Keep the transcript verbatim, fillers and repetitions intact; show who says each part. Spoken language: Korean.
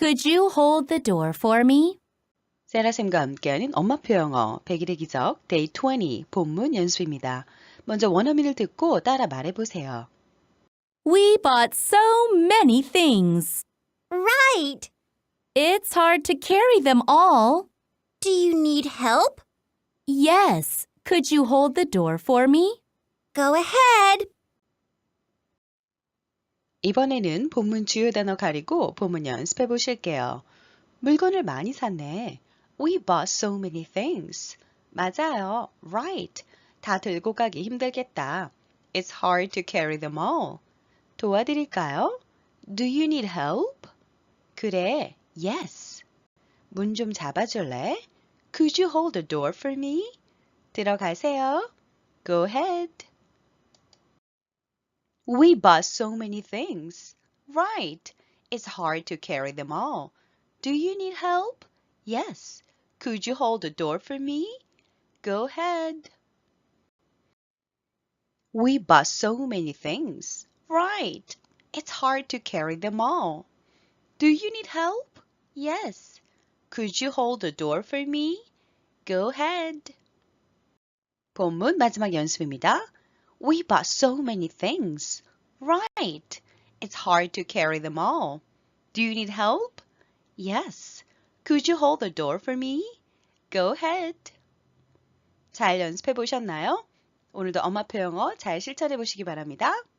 Speaker 1: Could you hold the door for me?
Speaker 2: 세라쌤과 함께하는 엄마표 영어 백일의 기적 데이 이십 본문 연습입니다. 먼저 원어민을 듣고 따라 말해보세요.
Speaker 1: We bought so many things.
Speaker 3: Right.
Speaker 1: It's hard to carry them all.
Speaker 3: Do you need help?
Speaker 1: Yes. Could you hold the door for me?
Speaker 3: Go ahead.
Speaker 2: 이번에는 본문 주요 단어 가리고 본문 연습해 보실게요. 물건을 많이 샀네. We bought so many things. 맞아요. Right. 다 들고 가기 힘들겠다. It's hard to carry them all. 도와드릴까요? Do you need help? 그래. Yes. 문 좀 잡아줄래? Could you hold the door for me? 들어가세요. Go ahead. We bought so many things. Right. It's hard to carry them all. Do you need help? Yes. Could you hold the door for me? Go ahead. We bought so many things. Right. It's hard to carry them all. Do you need help? Yes. Could you hold the door for me? Go ahead. 본문 마지막 연습입니다. We bought so many things. Right. It's hard to carry them all. Do you need help? Yes. Could you hold the door for me? Go ahead. 잘 연습해 보셨나요? 오늘도 엄마표 영어 잘 실천해 보시기 바랍니다.